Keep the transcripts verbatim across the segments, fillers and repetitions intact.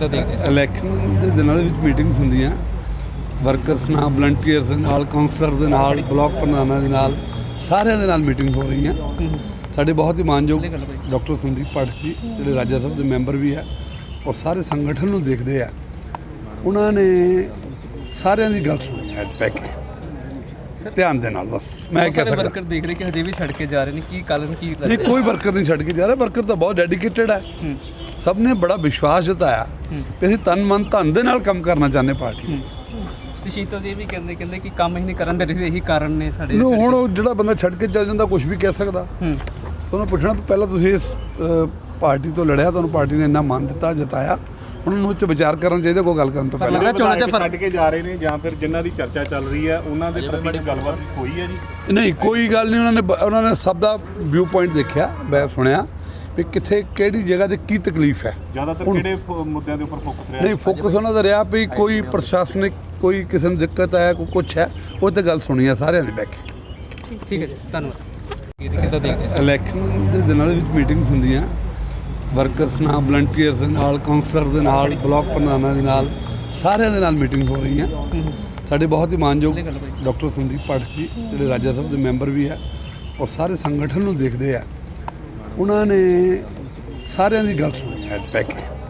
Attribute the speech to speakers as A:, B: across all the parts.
A: ਕਿੱਦਾਂ ਦੇਖਦੇ ਹੋ?
B: ਇਲੈਕਸ਼ਨ ਦੇ ਦਿਨਾਂ ਦੇ ਵਿੱਚ ਮੀਟਿੰਗਸ ਹੁੰਦੀਆਂ ਵਰਕਰਸ ਨਾਲ, ਵਲੰਟੀਅਰਸ ਦੇ ਨਾਲ, ਕਾਉਂਸਲਰਸ ਦੇ ਨਾਲ, ਬਲਾਕ ਪ੍ਰਧਾਨਾਂ ਦੇ ਨਾਲ, ਸਾਰਿਆਂ ਦੇ ਨਾਲ ਮੀਟਿੰਗ ਹੋ ਰਹੀਆਂ। ਸਾਡੇ ਬਹੁਤ ਹੀ ਮਾਨਯੋਗ ਡਾਕਟਰ ਸੰਦੀਪ ਪਾਠਕ ਜੀ ਜਿਹੜੇ ਰਾਜ ਸਭਾ ਦੇ ਮੈਂਬਰ ਵੀ ਹੈ ਔਰ ਸਾਰੇ ਸੰਗਠਨ ਨੂੰ ਦੇਖਦੇ ਆ, ਉਹਨਾਂ ਨੇ ਸਾਰਿਆਂ ਦੀ ਗੱਲ ਸੁਣੀ ਅੱਜ ਬਹਿ ਕੇ ਧਿਆਨ ਦੇ ਨਾਲ। ਬਸ ਮੈਂ ਕਹਿ ਸਕਦਾ
A: ਵਰਕਰ ਦੇਖ ਰਹੇ ਕਿ ਹਜੇ ਵੀ ਛੱਡ ਕੇ ਜਾ ਰਹੇ ਨੇ, ਕੀ ਕਾਰਨ ਕੀ
B: ਨਹੀਂ, ਕੋਈ ਵਰਕਰ ਨਹੀਂ ਛੱਡ ਕੇ ਜਾ ਰਿਹਾ। ਵਰਕਰ ਤਾਂ ਬਹੁਤ ਡੈਡੀਕੇਟਡ ਹੈ। ਸਭ ਨੇ ਬੜਾ ਵਿਸ਼ਵਾਸ ਜਤਾਇਆ ਕਿ ਅਸੀਂ ਤਨ ਮਨ ਧਨ ਦੇ ਨਾਲ ਕੰਮ ਕਰਨਾ ਚਾਹੁੰਦੇ ਪਾਰਟੀ।
A: ਤੇ ਸ਼ੀਤਲ ਜੀ ਵੀ ਕਹਿੰਦੇ ਕਹਿੰਦੇ ਕਿ ਕੰਮ ਹੀ ਨਹੀਂ ਕਰਨ ਦੇ ਰਹੇ, ਇਹੀ ਕਾਰਨ ਨੇ ਸਾਡੇ।
B: ਨੂੰ ਹੁਣ ਉਹ ਜਿਹੜਾ ਬੰਦਾ ਛੱਡ ਕੇ ਚੱਲ ਜਾਂਦਾ ਕੁਝ ਵੀ ਕਹਿ ਸਕਦਾ। ਉਹਨੂੰ ਪੁੱਛਣਾ ਪਹਿਲਾਂ ਤੁਸੀਂ ਇਸ ਪਾਰਟੀ ਤੋਂ ਲੜਿਆ, ਤੁਹਾਨੂੰ ਪਾਰਟੀ ਨੇ ਇੰਨਾ ਮਾਨ ਦਿੱਤਾ, ਜਤਾਇਆ, ਉਹਨਾਂ ਨੂੰ ਉੱਚ ਵਿਚਾਰ ਕਰਨਾ ਚਾਹੀਦਾ ਕੋਈ ਗੱਲ ਕਰਨ ਤੋਂ ਪਹਿਲਾਂ।
C: ਚੋਣਾਂ 'ਚ ਛੱਡ ਕੇ ਜਾ ਰਹੇ ਨੇ ਜਾਂ ਫਿਰ ਜਿਨ੍ਹਾਂ ਦੀ ਚਰਚਾ ਚੱਲ ਰਹੀ ਹੈ ਉਹਨਾਂ ਦੇ ਪ੍ਰਤੀ ਗੱਲਬਾਤ ਹੋਈ ਹੈ ਜੀ?
B: ਨਹੀਂ, ਕੋਈ ਗੱਲ ਨਹੀਂ। ਉਹਨਾਂ ਨੇ ਉਹਨਾਂ ਨੇ ਸਭ ਦਾ ਵਿਊ ਪੁਆਇੰਟ ਦੇਖਿਆ, ਮੈਂ ਸੁਣਿਆ ਵੀ ਕਿੱਥੇ ਕਿਹੜੀ ਜਗ੍ਹਾ ਤੇ ਕੀ ਤਕਲੀਫ ਹੈ।
C: ਜ਼ਿਆਦਾਤਰ ਕਿਹੜੇ ਮੁੱਦਿਆਂ ਦੇ ਉੱਪਰ ਫੋਕਸ ਰਿਹਾ?
B: ਨਹੀਂ, ਫੋਕਸ ਉਹਨਾਂ ਦਾ ਰਿਹਾ ਵੀ ਕੋਈ ਪ੍ਰਸ਼ਾਸਨਿਕ ਕੋਈ ਕਿਸੇ ਨੂੰ ਦਿੱਕਤ ਹੈ, ਕੋਈ ਕੁਛ ਹੈ, ਉਹ ਤੇ ਗੱਲ ਸੁਣੀ ਆ ਸਾਰਿਆਂ ਨੇ ਬਹਿ ਕੇ।
A: ਠੀਕ ਹੈ ਜੀ, ਧੰਨਵਾਦ। ਕਿੱਦਾਂ ਦੇਖਦੇ ਹੋ?
B: ਇਲੈਕਸ਼ਨ ਦੇ ਦਿਨਾਂ ਦੇ ਵਿੱਚ ਮੀਟਿੰਗਸ ਹੁੰਦੀਆਂ ਵਰਕਰਸ ਨਾਲ, ਵਲੰਟੀਅਰਸ ਦੇ ਨਾਲ, ਕਾਉਂਸਲਰਸ ਦੇ ਨਾਲ, ਬਲਾਕ ਪ੍ਰਧਾਨਾਂ ਦੇ ਨਾਲ, ਸਾਰਿਆਂ ਦੇ ਨਾਲ ਮੀਟਿੰਗ ਹੋ ਰਹੀਆਂ। ਸਾਡੇ ਬਹੁਤ ਹੀ ਮਾਨਯੋਗ ਡਾਕਟਰ ਸੰਦੀਪ ਪਾਠਕ ਜੀ ਜਿਹੜੇ ਰਾਜ ਸਭਾ ਦੇ ਮੈਂਬਰ ਵੀ ਹੈ ਔਰ ਸਾਰੇ ਸੰਗਠਨ ਨੂੰ ਦੇਖਦੇ ਆ, ਉਹਨਾਂ ਨੇ ਸਾਰਿਆਂ ਦੀ ਗੱਲ ਸੁਣੀ ਅੱਜ ਬਹਿ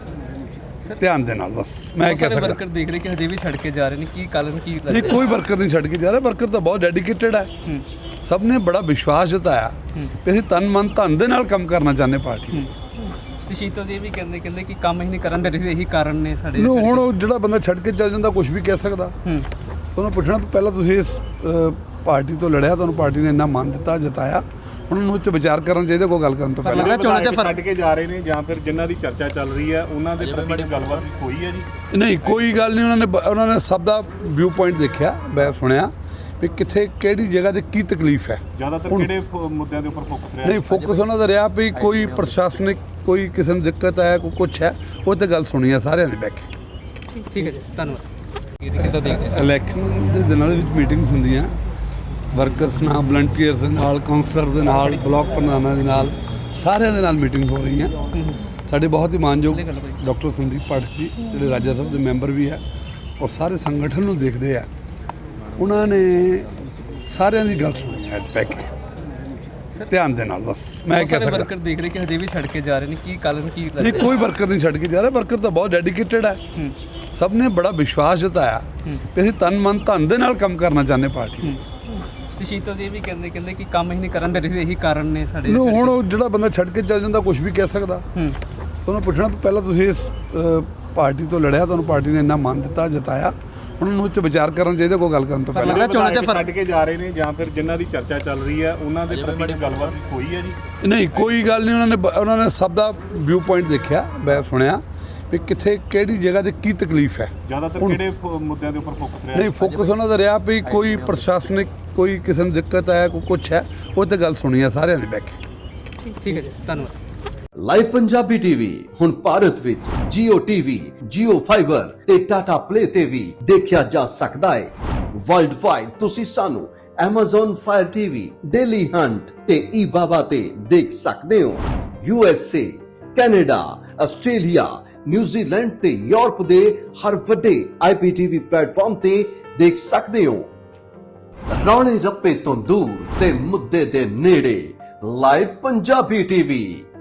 B: ਕੇ ਧਿਆਨ ਦੇ ਨਾਲ। ਬਸ ਮੈਂ ਕਹਿ ਸਕਦਾ
A: ਵਰਕਰ ਦੇਖ ਰਹੇ ਕਿ ਹਜੇ ਵੀ ਛੱਡ ਕੇ ਜਾ ਰਹੇ ਨੇ, ਕੀ ਕਾਰਨ ਕੀ
B: ਨਹੀਂ, ਕੋਈ ਵਰਕਰ ਨਹੀਂ ਛੱਡ ਕੇ ਜਾ ਰਿਹਾ। ਵਰਕਰ ਤਾਂ ਬਹੁਤ ਡੈਡੀਕੇਟਡ ਹੈ। ਸਭ ਨੇ ਬੜਾ ਵਿਸ਼ਵਾਸ ਜਤਾਇਆ ਕਿ ਅਸੀਂ ਤਨ ਮਨ ਧਨ ਦੇ ਨਾਲ ਕੰਮ ਕਰਨਾ ਚਾਹੁੰਦੇ ਪਾਰਟੀ।
A: ਤੇ ਸ਼ੀਤਲ ਜੀ ਵੀ ਕਹਿੰਦੇ ਕਹਿੰਦੇ ਕਿ ਕੰਮ ਹੀ ਨਹੀਂ ਕਰਨ ਦੇ ਰਹੇ, ਇਹੀ ਕਾਰਨ ਨੇ ਸਾਡੇ।
B: ਨੂੰ ਹੁਣ ਉਹ ਜਿਹੜਾ ਬੰਦਾ ਛੱਡ ਕੇ ਚੱਲ ਜਾਂਦਾ ਕੁਝ ਵੀ ਕਹਿ ਸਕਦਾ। ਉਹਨੂੰ ਪੁੱਛਣਾ ਪਹਿਲਾਂ ਤੁਸੀਂ ਇਸ ਪਾਰਟੀ ਤੋਂ ਲੜਿਆ, ਤੁਹਾਨੂੰ ਪਾਰਟੀ ਨੇ ਇੰਨਾ ਮਾਨ ਦਿੱਤਾ, ਜਤਾਇਆ, ਉਹਨਾਂ ਨੂੰ ਉੱਚ ਵਿਚਾਰ ਕਰਨਾ ਚਾਹੀਦਾ ਕੋਈ ਗੱਲ ਕਰਨ ਤੋਂ ਪਹਿਲਾਂ।
A: ਚੋਣਾਂ 'ਚ
C: ਛੱਡ ਕੇ ਜਾ ਰਹੇ ਨੇ ਜਾਂ ਫਿਰ ਜਿਨ੍ਹਾਂ ਦੀ ਚਰਚਾ ਚੱਲ ਰਹੀ ਹੈ ਉਹਨਾਂ ਦੇ ਪ੍ਰਤੀ ਗੱਲਬਾਤ ਹੋਈ ਹੈ ਜੀ?
B: ਨਹੀਂ, ਕੋਈ ਗੱਲ ਨਹੀਂ। ਉਹਨਾਂ ਨੇ ਉਹਨਾਂ ਨੇ ਸਭ ਦਾ ਵਿਊ ਪੁਆਇੰਟ ਦੇਖਿਆ, ਮੈਂ ਸੁਣਿਆ ਵੀ ਕਿੱਥੇ ਕਿਹੜੀ ਜਗ੍ਹਾ ਤੇ ਕੀ ਤਕਲੀਫ ਹੈ।
C: ਜ਼ਿਆਦਾਤਰ ਕਿਹੜੇ ਮੁੱਦਿਆਂ ਦੇ ਉੱਪਰ ਫੋਕਸ ਰਿਹਾ?
B: ਨਹੀਂ, ਫੋਕਸ ਉਹਨਾਂ ਦਾ ਰਿਹਾ ਵੀ ਕੋਈ ਪ੍ਰਸ਼ਾਸਨਿਕ ਕੋਈ ਕਿਸੇ ਨੂੰ ਦਿੱਕਤ ਹੈ, ਕੋਈ ਕੁਛ ਹੈ, ਉਹ ਤੇ ਗੱਲ ਸੁਣੀ ਆ ਸਾਰਿਆਂ ਨੇ ਬਹਿ ਕੇ।
A: ਠੀਕ ਹੈ ਜੀ, ਧੰਨਵਾਦ। ਕਿੱਦਾਂ ਦੇਖਦੇ ਹੋ?
B: ਇਲੈਕਸ਼ਨ ਦੇ ਦਿਨਾਂ ਦੇ ਵਿੱਚ ਮੀਟਿੰਗਸ ਹੁੰਦੀਆਂ ਵਰਕਰਸ ਨਾਲ, ਵਲੰਟੀਅਰਸ ਦੇ ਨਾਲ, ਕਾਉਂਸਲਰਸ ਦੇ ਨਾਲ, ਬਲਾਕ ਪ੍ਰਧਾਨਾਂ ਦੇ ਨਾਲ, ਸਾਰਿਆਂ ਦੇ ਨਾਲ ਮੀਟਿੰਗ ਹੋ ਰਹੀਆਂ। ਸਾਡੇ ਬਹੁਤ ਹੀ ਮਾਨਯੋਗ ਡਾਕਟਰ ਸੰਦੀਪ ਪਾਠਕ ਜੀ ਜਿਹੜੇ ਰਾਜ ਸਭਾ ਦੇ ਮੈਂਬਰ ਵੀ ਹੈ ਔਰ ਸਾਰੇ ਸੰਗਠਨ ਨੂੰ ਦੇਖਦੇ ਆ, ਉਹਨਾਂ ਨੇ ਸਾਰਿਆਂ ਦੀ ਗੱਲ ਸੁਣੀ ਅੱਜ ਬਹਿ ਕੇ ਧਿਆਨ ਦੇ ਨਾਲ। ਬਸ ਮੈਂ ਕਹਿ ਸਕਦਾ
A: ਵਰਕਰ ਦੇਖ ਰਹੇ ਕਿ ਹਜੇ ਵੀ ਛੱਡ ਕੇ ਜਾ ਰਹੇ ਨੇ, ਕੀ ਕਾਰਨ ਕੀ
B: ਨਹੀਂ, ਕੋਈ ਵਰਕਰ ਨਹੀਂ ਛੱਡ ਕੇ ਜਾ ਰਿਹਾ। ਵਰਕਰ ਤਾਂ ਬਹੁਤ ਡੈਡੀਕੇਟਡ ਹੈ। ਸਭ ਨੇ ਬੜਾ ਵਿਸ਼ਵਾਸ ਜਤਾਇਆ ਕਿ ਅਸੀਂ ਤਨ ਮਨ ਧਨ ਦੇ ਨਾਲ ਕੰਮ ਕਰਨਾ ਚਾਹੁੰਦੇ ਪਾਰਟੀ।
A: ਤੇ ਸ਼ੀਤਲ ਜੀ ਵੀ ਕਹਿੰਦੇ ਕਹਿੰਦੇ ਕਿ ਕੰਮ ਹੀ ਨਹੀਂ ਕਰਨ ਦੇ ਰਹੇ, ਇਹੀ ਕਾਰਨ ਨੇ ਸਾਡੇ।
B: ਨੂੰ ਹੁਣ ਉਹ ਜਿਹੜਾ ਬੰਦਾ ਛੱਡ ਕੇ ਚੱਲ ਜਾਂਦਾ ਕੁਝ ਵੀ ਕਹਿ ਸਕਦਾ। ਉਹਨੂੰ ਪੁੱਛਣਾ ਪਹਿਲਾਂ ਤੁਸੀਂ ਇਸ ਪਾਰਟੀ ਤੋਂ ਲੜਿਆ, ਤੁਹਾਨੂੰ ਪਾਰਟੀ ਨੇ ਇੰਨਾ ਮਾਨ ਦਿੱਤਾ, ਜਤਾਇਆ, ਉਹਨਾਂ ਨੂੰ ਉੱਚ ਵਿਚਾਰ ਕਰਨਾ ਚਾਹੀਦਾ ਕੋਈ ਗੱਲ ਕਰਨ ਤੋਂ ਪਹਿਲਾਂ।
A: ਚੋਣਾਂ 'ਚ
C: ਛੱਡ ਕੇ ਜਾ ਰਹੇ ਨੇ ਜਾਂ ਫਿਰ ਜਿਨ੍ਹਾਂ ਦੀ ਚਰਚਾ ਚੱਲ ਰਹੀ ਹੈ ਉਹਨਾਂ ਦੇ ਪ੍ਰਤੀ ਗੱਲਬਾਤ ਹੋਈ ਹੈ ਜੀ?
B: ਨਹੀਂ, ਕੋਈ ਗੱਲ ਨਹੀਂ। ਉਹਨਾਂ ਨੇ ਉਹਨਾਂ ਨੇ ਸਭ ਦਾ ਵਿਊ ਪੁਆਇੰਟ ਦੇਖਿਆ, ਮੈਂ ਸੁਣਿਆ ਵੀ ਕਿੱਥੇ ਕਿਹੜੀ ਜਗ੍ਹਾ ਤੇ ਕੀ ਤਕਲੀਫ ਹੈ।
C: ਜ਼ਿਆਦਾਤਰ ਕਿਹੜੇ ਮੁੱਦਿਆਂ ਦੇ ਉੱਪਰ ਫੋਕਸ ਰਿਹਾ?
B: ਨਹੀਂ, ਫੋਕਸ ਉਹਨਾਂ ਦਾ ਰਿਹਾ ਵੀ ਕੋਈ ਪ੍ਰਸ਼ਾਸਨਿਕ ਕੋਈ ਕਿਸੇ ਨੂੰ ਦਿੱਕਤ ਹੈ, ਕੋਈ ਕੁਛ ਹੈ, ਉਹ ਤੇ ਗੱਲ ਸੁਣੀ ਆ ਸਾਰਿਆਂ ਨੇ ਬਹਿ ਕੇ।
A: ਠੀਕ ਹੈ ਜੀ, ਧੰਨਵਾਦ।
D: ਲਾਈਵ ਪੰਜਾਬੀ ਟੀਵੀ ਹੁਣ ਭਾਰਤ ਵਿੱਚ ਜੀਓ ਟੀਵੀ, ਜੀਓ ਫਾਈਬਰ ਤੇ ਟਾਟਾ ਪਲੇ ਤੇ ਵੀ ਦੇਖਿਆ ਜਾ ਸਕਦਾ ਹੈ। ਵਰਲਡ ਵਾਈਡ ਤੁਸੀਂ ਸਾਨੂੰ Amazon Fire T V, Daily Hunt ਤੇ ਈ ਬਾਬਾ ਤੇ ਦੇਖ ਸਕਦੇ ਹੋ। U S A, Canada, Australia, New Zealand ਤੇ ਯੂਰਪ ਦੇ ਹਰ ਵੱਡੇ ਆਈ ਪੀ ਟੀ ਵੀ ਪਲੇਟਫਾਰਮ ਤੇ ਦੇਖ ਸਕਦੇ ਹੋ। ਰੌਲੇ ਰੱਪੇ ਤੋਂ ਦੂਰ ਤੇ ਮੁੱਦੇ ਦੇ ਨੇੜੇ ਲਾਈਵ ਪੰਜਾਬੀ ਟੀਵੀ।